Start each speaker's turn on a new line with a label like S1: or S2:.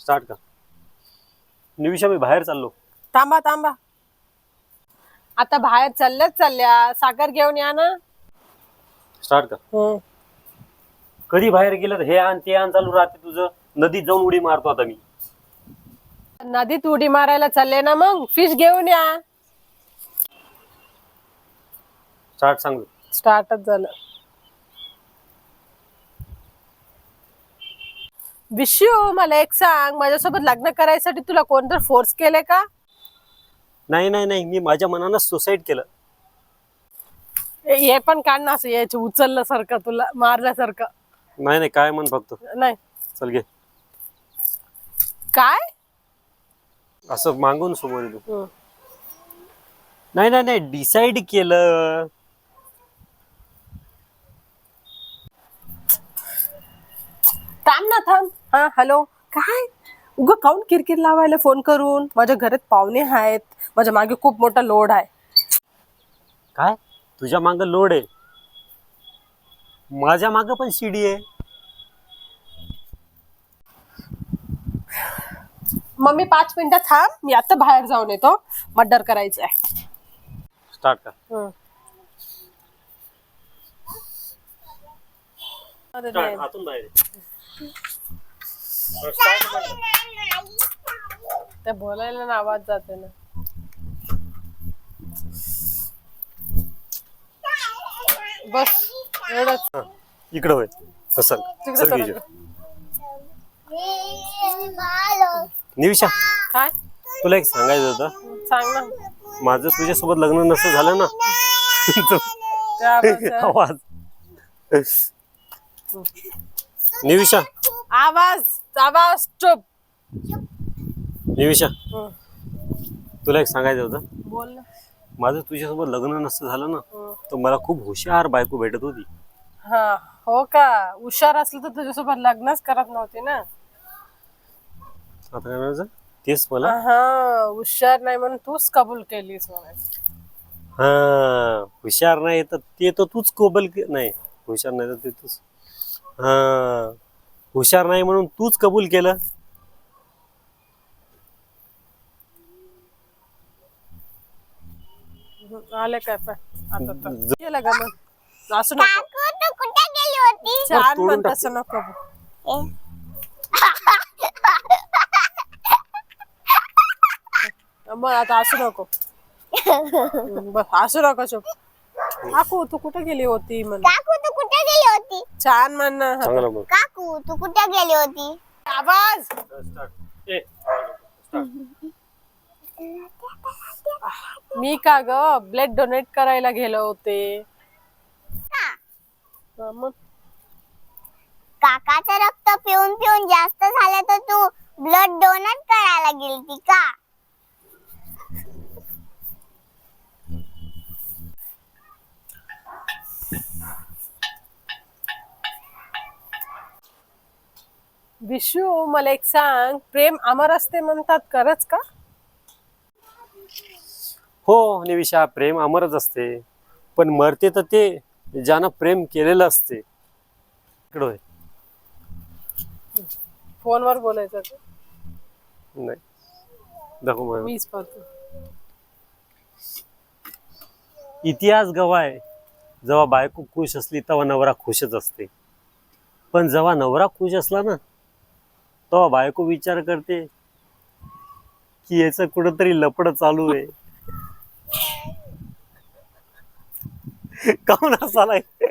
S1: Start का? निविषा, मी बाहेर चाललो.
S2: थांबा थांबा, आता बाहेर चालल्या साखर घेऊन या ना.
S1: स्टार्ट का? कधी बाहेर गेलं हे आण ते आण चालू राहते तुझं. नदीत जाऊन उडी मारतो आता मी.
S2: नदीत उडी मारायला चालले ना, मग फिश घेऊन या.
S1: स्टार्ट सांग.
S2: स्टार्टच झालं. विशू, मला एक सांग, माझ्यासोबत लग्न करायसाठी तुला कोणतर फोर्स केले का?
S1: नाही नाही नाही, मी माझ्या मनानं सुसाईड केलं.
S2: हे पण काढ ना, असं यायचं उचलल्यासारखं, तुला मारल्यासारखं.
S1: नाही नाही, काय म्हण फक्त.
S2: नाही
S1: चल घे.
S2: काय
S1: असं मागून समोर येतो. नाही नाही नाही, डिसाईड केलं.
S2: थांब ना, थांब. हा, हॅलो. काय उगा काऊन किरकिर लावायला फोन करून? माझ्या घरात पाहुणे आहेत, माझ्या मागे खूप मोठा लोड आहे.
S1: काय तुझ्या मागं लोड आहे? माझ्या मागं पण शिडी आहे.
S2: मम्मी 5 मिनिटं थांब, मी आता बाहेर जाऊन येतो. मर्डर करायचं आहे.
S1: स्टार्ट का?
S2: अरे
S1: स्टार्ट.
S2: नाही.
S1: आतून बाहेर ये.
S2: ते बोलायला ना आवाज जाते ना. बस एवढंच.
S1: हा, इकडं होय. चल
S2: तिकडे
S1: चल
S2: चला.
S1: निविषा,
S2: काय
S1: तुला एक सांगायचं होतं.
S2: सांग ना.
S1: माझं तुझ्यासोबत लग्न नसतं झालं ना.
S2: त्या
S1: आवाज. निविषा,
S2: आवाज आवाज चुप.
S1: निविषा, तुला एक सांगायचं होतं.
S2: बोल ना.
S1: माझं तुझ्यासोबत लग्न नसतं झालं ना, तर मला खूप हुशार बायको भेटत होती.
S2: हा, हो का? हुशार असलं तर तुझ्यासोबत लग्नच करत नव्हती ना.
S1: आता काय म्हणायचं तेच मला.
S2: हा, हुशार नाही म्हणून तूच कबूल केलीस म्हणायचं.
S1: हा, हुशार नाही तर ते तर तूच नाही, हुशार नाही तर ते तूच. हा, हुशार नाही म्हणून तूच कबूल केलं.
S2: आले काय पण आता तर गेलं का मग? असं नको.
S3: तू कुठे गेली होती?
S2: छान
S1: तोडून
S2: म्हणत
S1: टाक.
S2: असं नको. मग आता असू नको. बस असू नको, चुप. काकू तू कुठे गेली होती म्हण.
S3: काकू तू कुठे गेली होती?
S2: छान म्हण.
S1: चांगलं बोल.
S3: काकू तू कुठे गेली होती?
S2: आवाज. मी का ग ब्लड डोनेट करायला गेलो होते. मग
S3: काकाचं रक्त पिऊन पिऊन जास्त झालं तर तू ब्लड डोनेट करायला गेलती का?
S2: विशू, मला एक सांग, प्रेम अमर असते म्हणतात, खरंच का?
S1: हो निविषा, प्रेम अमरच असते, पण मरते तर ते ज्यानं प्रेम केलेलं असते. इकडं होय.
S2: फोनवर बोलायचं का?
S1: नाही दाखव मला.
S2: मीच पाहतो.
S1: इतिहास गवाय, जेव्हा बायको खुश असली तेव्हा नवरा खुशच असते, पण जेव्हा नवरा खुश असला ना तेव्हा बायको विचार करते की याचं कुठंतरी लपड चालू आहे. काऊन असालाय?